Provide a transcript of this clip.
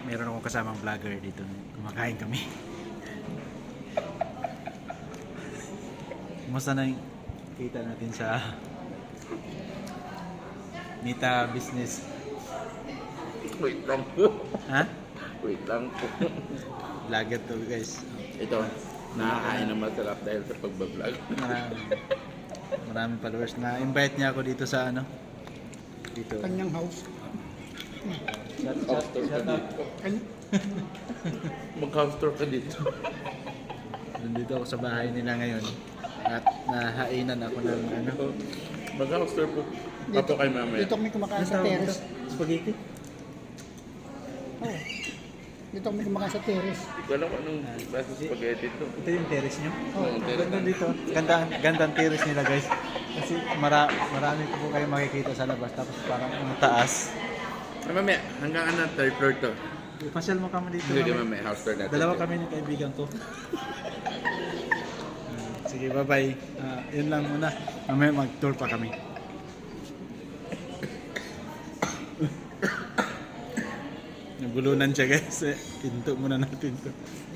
meron akong kasamang vlogger dito. Kumakain kami. Kumusta na yung kita natin sa Nita Business? Wait lang po. Ha? Wait lang po. Vlogger to guys. Ito, nakakain ng masarap dahil sa pagbablog. Maraming followers. Na-invite niya ako dito sa ano? Dito. Kanyang house. House tour ka dito. Mag-house tour ka dito. Nandito ako sa bahay nila ngayon. At nahainan ako ng ano? Mag-house tour po. Pato kay mamaya. Dito kami kumakain sa terrace. Spaghetti? Oh. Dito kami kumakain sa terrace. Hindi ko alam kung anong basta spaghetti to. Ito yung terrace nyo? Oh. Ganda dito. Gandang terrace nila guys. Kasi marami po kayo makikita sa labas. Tapos parang taas. Ay, mamaya, hanggang ano, third floor to. Pasyal mo kami dito. Hindi mamaya. mamaya, house tour natin. Dalawa kami ng kaibigan ko. Sige, bye-bye. Yun lang muna. Mamaya mag-tour pa kami. Nagulunan siya guys. Pinto muna natin to.